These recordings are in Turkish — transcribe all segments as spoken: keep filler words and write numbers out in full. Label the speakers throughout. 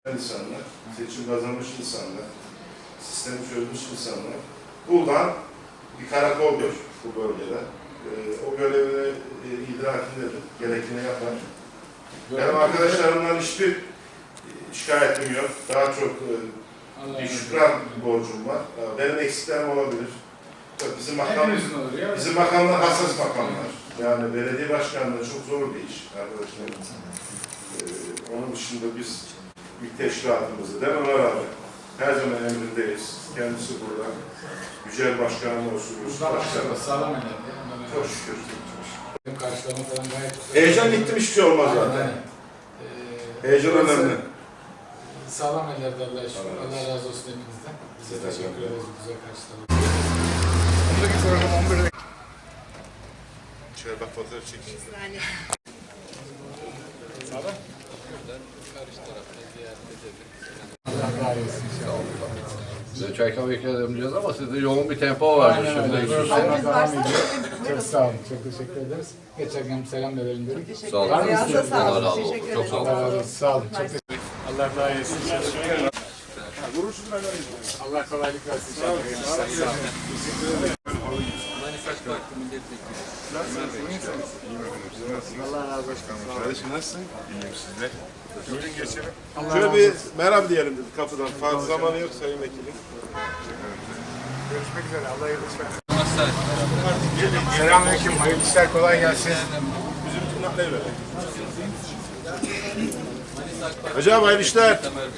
Speaker 1: insanlar, seçim kazanmış insanlar, sistemi çözmüş insanlar. Buradan bir karakoldur bu bölgede. Ee, o görevini e, idrakindedir, gerektiğini yapar. Benim arkadaşlarımdan hiçbir şikayetim yok. Daha çok e, bir şükran borcum var. Benim eksiklerim olabilir. Bizim makam, bizim makamlar hassas makamlar. Yani belediye başkanlığı çok zor bir iş arkadaşlar. Ee, onun dışında biz bir teşkilatımızı değil mi Ömer abi? Her zaman emrindeyiz. Kendisi burada. Yücel Başkanım olsun.
Speaker 2: Başkanım sağlam eder.
Speaker 1: Çok şükür.
Speaker 2: Benim karşılama falan gayet...
Speaker 1: Heyecan gittim hiçbir şey olmaz zaten. Ee, Heyecan önemli.
Speaker 2: Sağlam ellerde Allah'a şükür. Allah razı olsun hepinizden. Size teşekkür ederiz güzel karşılama. Ondaki program on birde.
Speaker 1: Şöyle bak fotoğraf çekeyim.
Speaker 2: Sağlam. Karşı tarafta ziyaret edelim. Allah razı olsun inşallah.
Speaker 3: Size çay kahve ikram edemeyeceğiz ama sizde yoğun bir tempo var.
Speaker 2: Herkes varsa çok sağ olun, çok teşekkür ederiz. Geçerken selam verelim dedik.
Speaker 3: Sağ olun.
Speaker 2: Var mı isteğiniz?
Speaker 3: Allah razı olsun. Çok sağ olun.
Speaker 2: Allah razı olsun. Sağ olun. Çok teşekkür ederim. Allah daha iyisin. Allah kolaylık versin. Sağ olun. Sağ olun. Allah razı olsun.
Speaker 1: Kardeşim nasılsın? İyiyim sizler. Bugün geçelim. Şöyle bir merhaba diyelim dedik kapıdan. Fazla zamanı yok sayın vekilim.
Speaker 2: Görüşmek üzere. Allah yardımcı versin. Selamünaleyküm. Hayırlı işler, kolay gelsin.
Speaker 1: Bizim tırnaklayı verelim. Hocam hayırlı işler.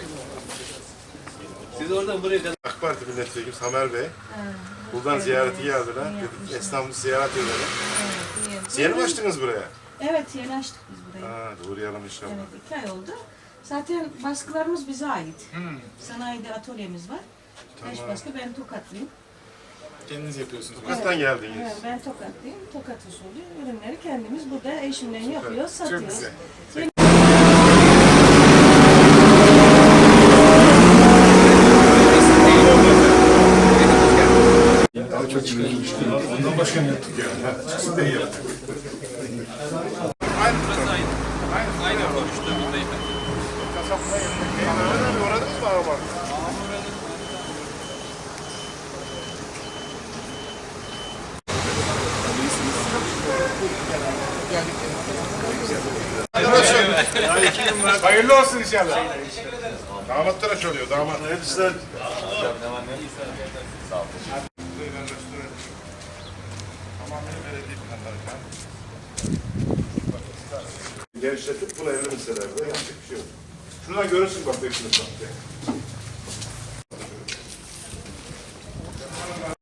Speaker 3: Siz oradan buraya kadar.
Speaker 1: AK Parti milletvekili Samer Bey. Buradan ziyareti geldiler. Dedik esnafımızı ziyaret edelim.
Speaker 4: Evet,
Speaker 1: Yeni mi açtınız buraya?
Speaker 4: Evet, yeni açtık biz burayı.
Speaker 1: Ha, uğrayalım inşallah.
Speaker 4: Evet, iki ay oldu. Zaten baskılarımız bize ait.
Speaker 2: Hmm.
Speaker 4: Sanayide atölyemiz var. Beş
Speaker 1: Tamam.
Speaker 4: baskı, ben Tokatlıyım.
Speaker 2: Kendiniz yapıyorsunuz.
Speaker 1: Tokat'tan geldiniz.
Speaker 4: Evet, ben Tokatlıyım. Tokat usulü ürünleri kendimiz burada eşimden yapıyoruz,
Speaker 2: Çok
Speaker 4: satıyoruz.
Speaker 2: güzel.
Speaker 1: Ondan başka ne yaptık yani? Çıksın da iyi yaptık. Aynı Aynı Aynı konuştuğumuzdayım. Kasapla yanındayım. Uğradınız mı araba?
Speaker 2: Hayırlı olsun inşallah.
Speaker 1: Damatlara çalıyor, damat. Hayırlı işler. Tamamen belediye planları kan. Genişletip bunu evli meselelerde yapacak bir şey yok. Şuradan görürsün bak bekliyorsun bak.